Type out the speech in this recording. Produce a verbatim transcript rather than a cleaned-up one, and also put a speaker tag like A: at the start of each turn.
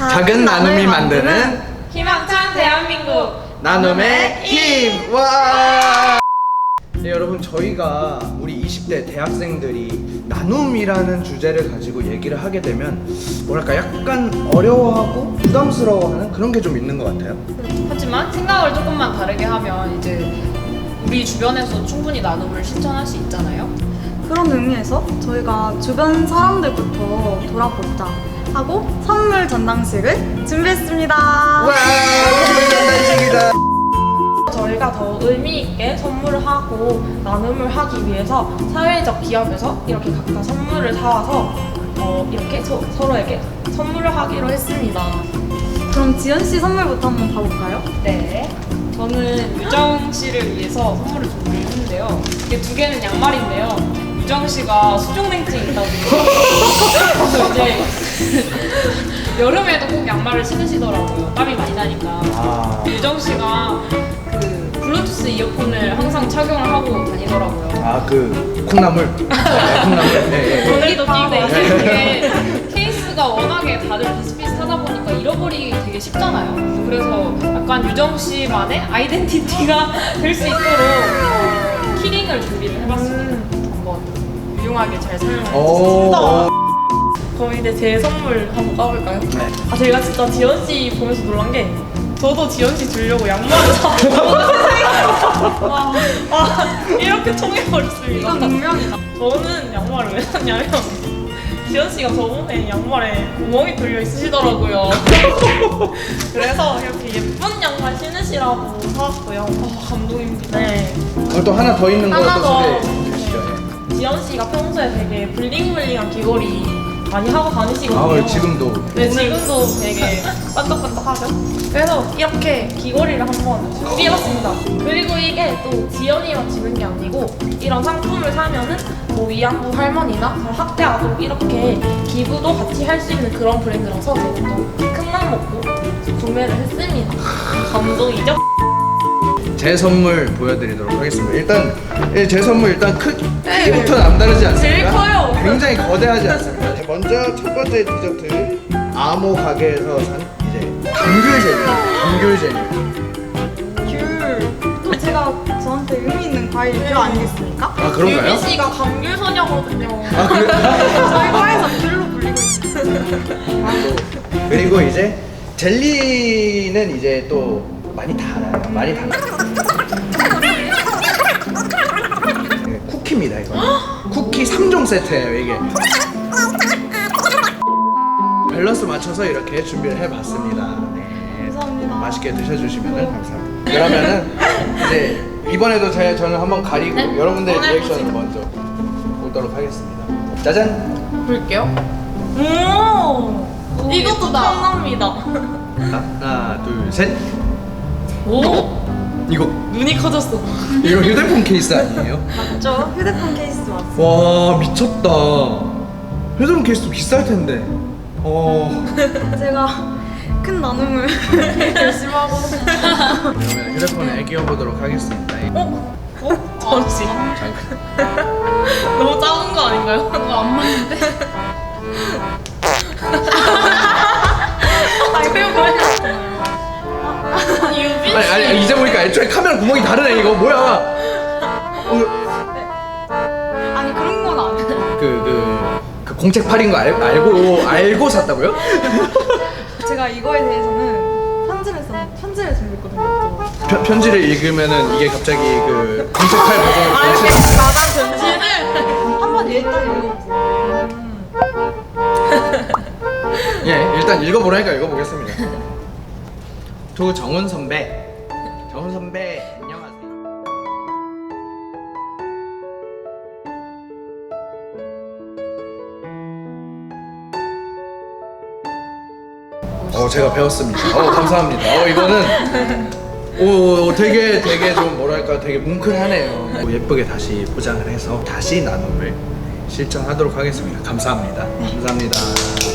A: 작은 나눔이 만드는
B: 희망찬 대한민국
A: 나눔의 힘! 와! 네, 여러분, 저희가 우리 이십 대 대학생들이 나눔이라는 주제를 가지고 얘기를 하게 되면 뭐랄까 약간 어려워하고 부담스러워하는 그런 게 좀 있는 것 같아요.
B: 하지만 생각을 조금만 다르게 하면 이제 우리 주변에서 충분히 나눔을 실천할 수 있잖아요.
C: 그런 의미에서 저희가 주변 사람들부터 돌아보자 하고 선물 전당식을 준비했습니다.
A: 와! 선물 전달식이다!
B: 저희가 더 의미 있게 선물을 하고 나눔을 하기 위해서 사회적 기업에서 이렇게 각자 선물을 사와서 어, 이렇게 서, 서로에게 선물을 하기로 했습니다.
C: 그럼 지연 씨 선물부터 한번 봐볼까요?
B: 네. 저는 유정 씨를 위해서 선물을 준비했는데요. 이게 두 개는 양말인데요. 유정 씨가 수족냉증이 있다고. 그래서 이제 여름에도 꼭 양말을 신으시더라고요. 땀이 많이 나니까.
A: 아,
B: 유정 씨가 그 블루투스 이어폰을 항상 착용을 하고 다니더라고요.
A: 아, 그 콩나물? 네, 콩나물. 네, 네.
B: 전기도 끼고 이게 케이스가 워낙에 다들 비슷비슷하다 보니까 잃어버리기 되게 쉽잖아요. 그래서 약간 유정 씨만의 아이덴티티가 될 수 있도록 키링을 준비를 해봤습니다. 한번 유용하게 잘 사용해주세요.
A: 오.
B: 그럼 이제 제 선물 한번 까볼까요?
A: 네.
B: 아 제가 진짜 지연 씨 보면서 놀란 게 저도 지연 씨 주려고 양말을 사고 와, 와 이렇게 통해버렸습니다.
C: 이건 운명이다.
B: 저는 양말을 왜 샀냐면 지연 씨가 저번에 양말에 구멍이 뚫려 있으시더라고요. 그래서 이렇게 예쁜 양말 신으시라고 사왔고요. 아, 감동입니다. 네.
A: 어, 또 하나 더 있는
B: 하나
A: 것도
B: 더.
A: 소개해 주시죠.
B: 지연 씨가 평소에 되게 블링블링한 귀걸이 많이 하고 다니시거든요.
A: 아, 지금도.
B: 네, 지금도 되게 반짝반짝하죠? 그래서 이렇게 귀걸이를 한번 준비해봤습니다. 그리고 이게 또 지연이만 지는 게 아니고 이런 상품을 사면은 뭐 위안부 할머니나 학대 아동 이렇게 기부도 같이 할 수 있는 그런 브랜드라서 저도 또 큰맘 먹고 구매를 했습니다. 감동이죠?
A: 제 선물 보여드리도록 하겠습니다. 일단 예, 제 선물 일단 크,
B: 네.
A: 크기부터 남다르지 않습니까?
B: 제일 커요.
A: 굉장히 거대하지 않습니까? 먼저 첫 번째 디저트 아모 가게에서 산 이제 감귤 젤리. 감귤 젤리.
C: 귤. 또 제가 저한테 의미 있는 과일 귤 아니겠습니까?
A: 아, 그런가요?
B: 유미 씨가 감귤 소녀거든요.
A: 아, 그래?
C: 저희 과에서 귤로 불리고 있어요.
A: 그리고 이제 젤리는 이제 또 많이 달아요. 많이 달아요. 네, 쿠키입니다, 이거. 쿠키 삼 종 세트예요, 이게. 밸런스 맞춰서 이렇게 준비를 해봤습니다. 네.
C: 감사합니다.
A: 맛있게 드셔주시면 감사합니다. 그러면은 이제 이번에도 제, 저는 한번 가리고
B: 네?
A: 여러분들의
B: 네,
A: 리액션을
B: 보시죠.
A: 먼저 보도록 하겠습니다. 짜잔!
B: 볼게요. 오, 이것도 탐납니다.
A: 하나, 둘, 셋!
B: 오,
A: 이거,
B: 눈이 커졌어.
A: 이거 휴대폰 케이스 아니에요?
C: 맞죠? 휴대폰 케이스 왔어요.
A: 와, 미쳤다. 휴대폰 케이스도 비쌀 텐데. 어.
C: 제가 큰 나눔을 열심히 하고
A: 그러면 휴대폰에 끼워보도록 하겠습니다.
B: 어? 어? 잠시.
A: 잠깐.
B: 너무 작은 거 아닌가요? 뭔가 안 맞는데? 아, 이거 뭐야? 유빈 씨.
A: 아니, 아니, 아니, 이제 보니까 애초에 카메라 구멍이 다르네, 이거. 뭐야. 어,
C: 아니 그런 건 아니에요.
A: 그, 그, 그 공책팔인 거 알, 알고, 알고 샀다고요?
C: 제가 이거에 대해서는 편지를 써 편지를 준비했거든요. 또.
A: 편, 편지를 읽으면은 이게 갑자기 그 공책팔 버전으로
B: 아, 이렇게
A: 변신.
B: 마담 변신을.
C: 한번 일단 읽어보세요.
A: 예, 일단 읽어보라니까 읽어보겠습니다. 조정훈 선배. 정훈 선배, 안녕하세요. 어, 제가 배웠습니다. 어, 감사합니다. 어, 이거는 오, 되게 되게 좀 뭐랄까 되게 뭉클하네요. 오, 예쁘게 다시 포장을 해서 다시 나눔을 실천하도록 하겠습니다. 감사합니다. 감사합니다.